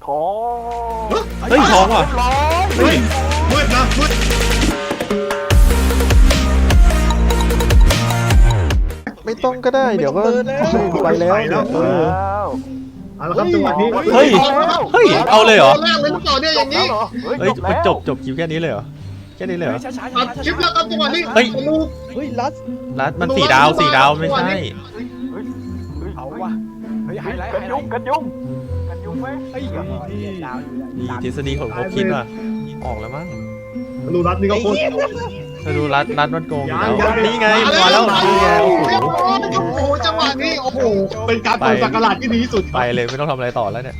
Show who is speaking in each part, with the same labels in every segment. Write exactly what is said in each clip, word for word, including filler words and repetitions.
Speaker 1: ทอง
Speaker 2: เฮ้ยทองว่ะ
Speaker 3: เฮ้ยมืดนะมืด
Speaker 2: ไม่ต้องก็ได้เดี๋ยวก็ไปแล้วเนี่ยเออ
Speaker 1: แล้ว
Speaker 3: เอาละครับจังหวะนี้
Speaker 2: เฮ้ยเฮ้ยเอาเลยเหรอ
Speaker 3: แรกเลยหรือเปล่าเนี่ยอย่างนี้
Speaker 2: เฮ้ยมันจบจบคลิปแค่นี้เลยเหรอแค่นี้เลยเหรอ
Speaker 4: ช้าช้า
Speaker 3: อัดคลิปแล้วครับจังหวะนี้
Speaker 2: เฮ้ย
Speaker 3: ธนู
Speaker 4: เฮ้ยลัส
Speaker 2: รัดมันสี่ดาวสี่ดาวไม่ใช่
Speaker 4: เอาว่ะเฮ้ยไฮไลท์
Speaker 1: กันยุงกันยุงกันยุงไหม
Speaker 4: เฮ้ยดาวอยู่
Speaker 2: มีทฤษฎีของเขาคิดว่ะออกแล้วมั้ง
Speaker 3: ธนูรัดนี่ก็โคตร
Speaker 2: ถ้าดูรัดรัดมันโกงอยู่แล้ว
Speaker 3: ยังยัง
Speaker 2: นี่ไงมาแล้วนี่ไงโอ้โห
Speaker 3: โอ้โหจังหวะนี้โอ้โหเป็นการเปิดสักราชที่ดีที่สุด
Speaker 2: ไปเลยไม่ต้องทำอะไรต่อแล้วเนี่ย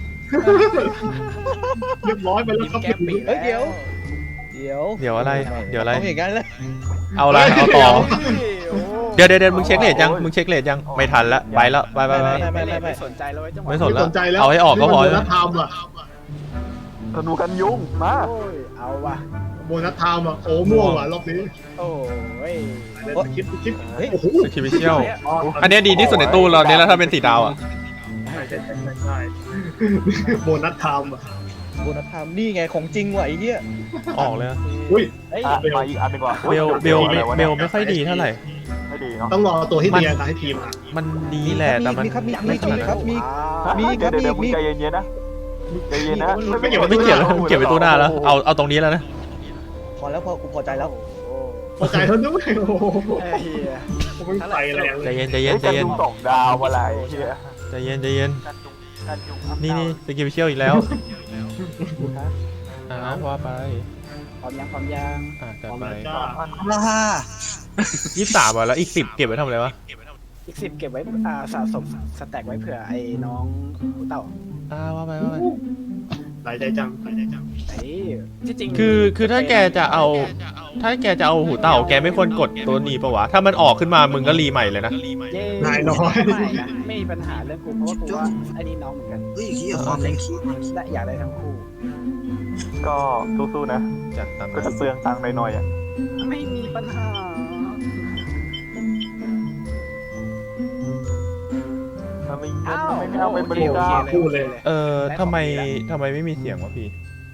Speaker 3: เรียบร้อยไปแล้วครับ
Speaker 4: แก้มปีเฮ้ยเดี๋ยวเดี๋ยว
Speaker 2: เดี๋ยวอะไรเดี๋ยวอะไร
Speaker 4: ต้องอย่างนั้นเลย
Speaker 2: เอาอะไรเอาต่อเดี๋ยวเดี๋ยวเดี๋ยวมึงเช็คเลทยังมึงเช็คเลทยังไม่ทันละไปแล้วไปไปไป
Speaker 4: ไม่ไม่ไม่ไม่สนใจเลยจังหวะ
Speaker 2: ไม่สน
Speaker 3: ไม่สนใจแล้ว
Speaker 2: เอาให้ออกก็พอ
Speaker 3: โบนัสไทม์อ่ะ
Speaker 1: ธนูกันยุงมา
Speaker 4: โอ้ยเอาว่ะ
Speaker 3: โบนัสไทม์อ่ะโอ้ม่วงว่ะรอบนี้
Speaker 4: โอ้ย
Speaker 3: คิดคิด
Speaker 4: เฮ้ย
Speaker 3: โอ้โห
Speaker 2: สกิมิเชียลอันนี้ดีที่สุดในตู้เราเนี่ยแล้วถ้าเป็นสีดาวอ่ะ
Speaker 3: ใช่ใช่ใช่ใช่โบนัสไทม์อ่ะ
Speaker 4: โบนัสไทม์นี่ไงของจริงว่ะไอ้เหี้ย
Speaker 2: ออกเลยอะ
Speaker 3: อุ้ย
Speaker 4: เฮ้ย
Speaker 1: อ่ะมาอีกอันหนึงก่อน
Speaker 2: เบลเบลเบลไม่ค่อยดีเท่าไหร่
Speaker 1: ไม่ดีเนาะ
Speaker 3: ต้องรอตัวที่เดียนะให้ทีมอ่ะ
Speaker 2: มันดีแหละแต่มัน
Speaker 4: มีครับมี
Speaker 2: ไม่
Speaker 4: มี
Speaker 2: ขนาด
Speaker 4: ครั
Speaker 2: นั้
Speaker 4: บ
Speaker 2: น
Speaker 4: มี มี
Speaker 1: เดี๋ยวเดี๋ยว
Speaker 4: มี
Speaker 1: มึงใจเย็นๆนะใจเย็นนะ
Speaker 3: ไม่เกี่ยวกับ
Speaker 2: ไม่เกี่ยวแล้วเก็บไปตู้หน้าแล้วเอาเอาตรงนี้แล้วนะ
Speaker 4: พอแล้วพอกูพอใจแล้ว
Speaker 3: พอใจเท่านั้นด้วยโอ้โห
Speaker 4: เฮ้ย
Speaker 3: ผมไม่ไปแรงเล
Speaker 2: ใจ
Speaker 3: ย
Speaker 2: เย็นใจ
Speaker 1: เฮ้
Speaker 2: เย็
Speaker 1: ย
Speaker 2: นใจ
Speaker 1: กัน
Speaker 2: เย็น
Speaker 1: ยุงสองดาวอะไรเฮีย
Speaker 2: ใจเย็นใจเย็น
Speaker 1: กันยุงกันยุง
Speaker 2: นี่นี่สกิมิเชียลอีกแล้วอ่าว่าไป
Speaker 4: พร้อมยังพร้อมยัง
Speaker 2: อ่าจัดไป
Speaker 3: จ้า
Speaker 4: ล่า
Speaker 2: ยี่สิบสามอ่ะแล้วอีกสิบเก็บไว้ทำอะไรวะ
Speaker 4: อีกสิบเก็บไว้อ่าสะสมสแต็กไว้เผื่อไอ้น้องหูเต่า
Speaker 2: อ่าว่าไปว่าไป
Speaker 3: หลายใจจังหลายใจจัง
Speaker 4: ไอ้ที่จริง
Speaker 2: คือคือถ้าแกจะเอา ถ้าแกจะเอาหูเต่าแกไม่ควรกดตัวนี้ปะวะถ้ามันออกขึ้นมามึงก็รีใหม่เลยนะ
Speaker 4: เย้
Speaker 3: นายน้อย
Speaker 4: ไม่นะไม่มีปัญหาเรื่องกูเพราะว่ากูว่าไอ้นี่น้องเหมือนกัน
Speaker 5: เฮ้ยเฮียความเล็ก
Speaker 4: และอยากได้ทั้งคู่
Speaker 1: ก็สู้ๆนะ
Speaker 2: จัดตาม
Speaker 1: ก็
Speaker 2: นั้น
Speaker 1: จะเปลืองตังค์หน่อยๆอ่ะ
Speaker 4: ไม่มีปัญหา
Speaker 1: ถ้าไม่ไม่เอาเป็นบริการ
Speaker 3: พูดเลย
Speaker 2: เออทำไมทำไมไม่มีเสียงวะพี่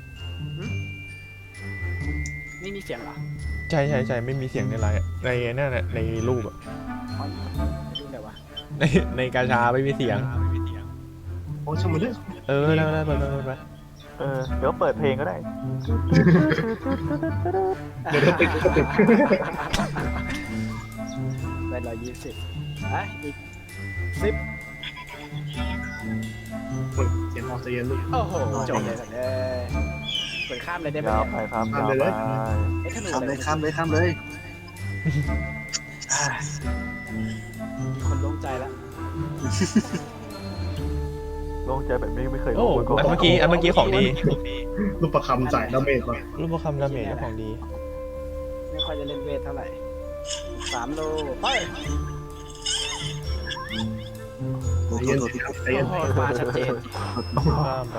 Speaker 4: ไม่มีเสียงเหรอ
Speaker 2: ใช่ใช่ใช่ไม่มีเสียงในไลน์อะในนั่นน่ะในรูปอะ
Speaker 4: อ๋อดูเดี๋ยววะ
Speaker 2: ในในกาชาไม่มีเสียง
Speaker 3: โอ้ช่างมันเลย
Speaker 2: เออได้ได้ไปไปไปไป
Speaker 1: เออเดี๋ยวเปิดเพลงก็ได้
Speaker 3: เดี๋ยวเดี๋ยวติดก็ติด
Speaker 4: ได้ร้อยยี่สิบอ่ะอีกสิบ
Speaker 3: เสียงออกใจเย็นลูก
Speaker 4: โอ้โหจบเลยสัตว์เลยเปิดข้ามเลยได้ไหม
Speaker 1: ยาวไปครับยาวไป
Speaker 4: ไอ้ธนู
Speaker 5: ข้ามเลยข้ามเลยข้ามเลย
Speaker 4: มีคนโล่งใจแล้ว
Speaker 1: โล่งใจแบบนี้ไม่เคย
Speaker 2: โอ้
Speaker 1: โล่งมาก่อน
Speaker 2: อันเมื่อกี้อันเมื่อกี้ของดี
Speaker 3: ลูกประคำใส่ดาเมจมา
Speaker 2: รูปประคำดาเมจก็ของดี
Speaker 4: ไม่ค่อยจะเล่นเวทเท่าไหร่สามโลไป
Speaker 5: โอ้โห
Speaker 3: ใจเย็น
Speaker 5: โทษพี่
Speaker 3: ใจเย็น
Speaker 4: โอ้โหมาชัดเจน
Speaker 2: ข้ามไป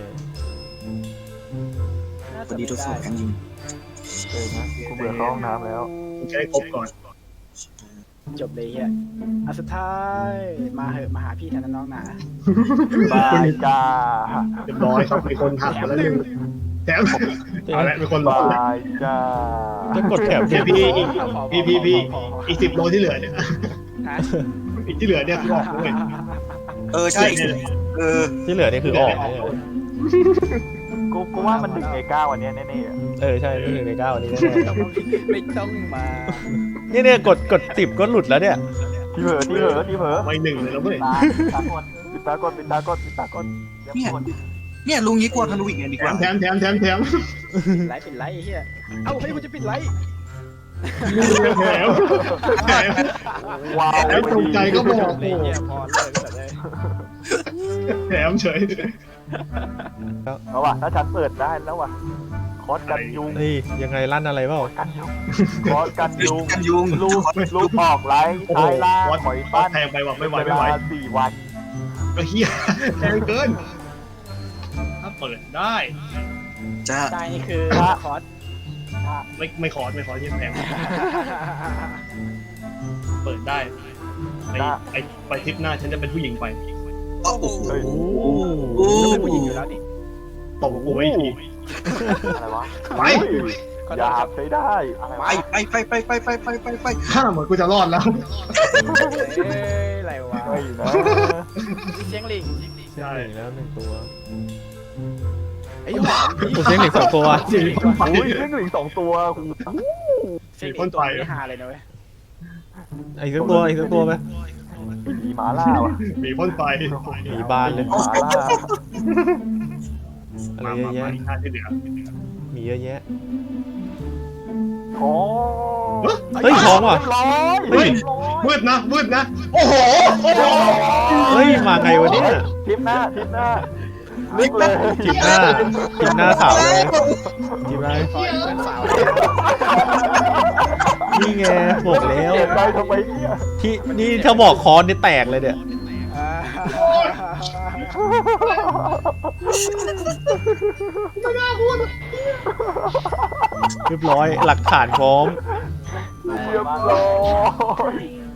Speaker 4: น่า
Speaker 5: พ
Speaker 4: จะ
Speaker 5: อดี
Speaker 4: ไม่
Speaker 5: ทดสอ
Speaker 4: ได้
Speaker 5: บกันยิง
Speaker 1: เออนะกูเบื่อเข้าห้องน้ำแล้ว
Speaker 3: ใช้ครบก่อน
Speaker 4: จบเลยเฮียอ่ะสุดท้ายมาเหอะมาหาพี่แทนน้องหนา
Speaker 1: บายจ้า
Speaker 3: เรียบร้อยครับมีคนหักมาแล้วหนึ่งแถมเอาละมีคนรอแล้ว
Speaker 1: บายจ้า
Speaker 2: จะกดแถบ
Speaker 3: พี่พี่อีกพี่พี่พี่อีกสิบโลที่เหลือเนี่ย
Speaker 4: ฮะ
Speaker 3: อีกที่เหลือเนี่ยคือออกด้วย
Speaker 5: เออใช่
Speaker 3: เนี่ย
Speaker 5: เออ
Speaker 2: ที่เหลือนี่คือออกเนี่ย
Speaker 1: กูกูว่ามันหนึ่งในเก้าวันนี้แน่ๆอะ
Speaker 2: เออใช่ไม่ถึงในเก้าอันนี้แน่
Speaker 4: ไม่ต้องมา
Speaker 2: ๆเนี่ยเนี่ยกดกดสิบก็หลุดแล้วเนี่ย
Speaker 1: ที่เผลอที่เผลอที่เผลอ
Speaker 3: ไม่หนึ่งเลยแล้วเว้ย
Speaker 1: ตาปิดตาก่อนปิดตาก่อนปิดตาก่อนปิดตาก่อน
Speaker 5: เนี่ยเนี่ยลุงนี้กลัวธนูอีกไงดี
Speaker 3: แถ
Speaker 5: กว่าม
Speaker 3: แถมแถมแถมแถม
Speaker 4: ไลฟ์ปิดไลฟ์ไอ้เฮียเอ้าเฮ้ยกูจะปิดไลฟ์
Speaker 3: แถมแถม
Speaker 1: ว้าว
Speaker 3: แล้วตรงใจก็บอก
Speaker 4: เลยเฮียพอเลยแบบเลย
Speaker 3: แถมเฉย
Speaker 1: เอาว่ะถ้าฉันเปิดได้แล้วว่ะคอสกันยุง
Speaker 2: เฮ้ยยังไงลั่นอะไรเปล่า
Speaker 1: กันยุงคอสกันยุง
Speaker 5: กันยุง
Speaker 1: ลูกลูกออกไลท์
Speaker 3: โอ้โห
Speaker 1: ท้ายล่าง
Speaker 3: วัด
Speaker 1: ถอย
Speaker 3: วั
Speaker 1: ปั้
Speaker 3: ด
Speaker 1: น
Speaker 3: แทงไปว่ะไม่ไหว
Speaker 1: เว
Speaker 3: ไม่ไหว
Speaker 1: ลาสี่วัน
Speaker 3: ก็เฮียแทงเกิน ถ้าเปิดได้
Speaker 5: จะ
Speaker 4: ได้นี่คือคอร์ส
Speaker 3: ไม่ไม่ขอไม่ขอที่แทงเปิดได้ไอไอไปทริปหน้าฉันจะเป็นผู้หญิงไป
Speaker 5: โอ้โห
Speaker 1: เฮ้ย
Speaker 2: โอ้
Speaker 5: โอ้
Speaker 4: เป็นผู้หญิงอยู่แล้วนี่
Speaker 3: ตบกูไอ้ที
Speaker 1: อะไรวะ
Speaker 3: ไป
Speaker 1: อุ้ยหยาบใช้ได้อะไร
Speaker 5: ไป
Speaker 1: วะ
Speaker 5: ไปไปไปไปไปไปไปไป
Speaker 3: ถ้าเหมือนกูจะรอดแล้ว
Speaker 4: เอ้ยอะไรวะ
Speaker 1: ไม่นะ
Speaker 4: มีเสียงลิง
Speaker 3: ใช่
Speaker 2: หนึ่งแล้วหนึ่งตัว
Speaker 4: ไอ้หวาน
Speaker 2: กูเซ็งเหล็กสองตัว
Speaker 3: สีพ่นไฟ
Speaker 1: อุ้ยเรื่องหลิงสองตัวหู
Speaker 4: เสียงลิงตัวไม่ฮาเลยนะเว้ย
Speaker 2: ไอ้สักตัวไอ้สักตัวไหม
Speaker 1: มีหมาล่าว่ะ
Speaker 3: มีพ่นไฟ
Speaker 2: หนีบานเลย
Speaker 1: หมาล่า
Speaker 2: อะไร
Speaker 3: มา
Speaker 2: เย
Speaker 3: มา
Speaker 2: อะ
Speaker 3: มา
Speaker 2: แยะ
Speaker 3: อีกท่าที่เหลือ
Speaker 2: มีเยอะแยะ
Speaker 1: ท้อง
Speaker 2: เฮ้ยท้องว่ะ
Speaker 1: เรียบร้อย
Speaker 3: เฮ้ยมืดนะมืดนะโอ้โหโอ้โห
Speaker 2: เฮ้ยมาไงวะเนี่ย
Speaker 1: ทิปหน้าทิปหน้าลึกเลย
Speaker 2: จิบหน้าจิบหน้าสาวเลยจิบหน้า
Speaker 4: ปล่อยเพื่อนสาว
Speaker 2: นี่ไงบอกแล้ว
Speaker 1: เก็บได้ทำไมเนี่ย
Speaker 2: ที่นี่ถ้าบอกคอนนี่แตกเลยเนี่ย
Speaker 4: อ่า
Speaker 2: เรียบร้อยหลักฐานพร้อม
Speaker 1: เรียบร้อย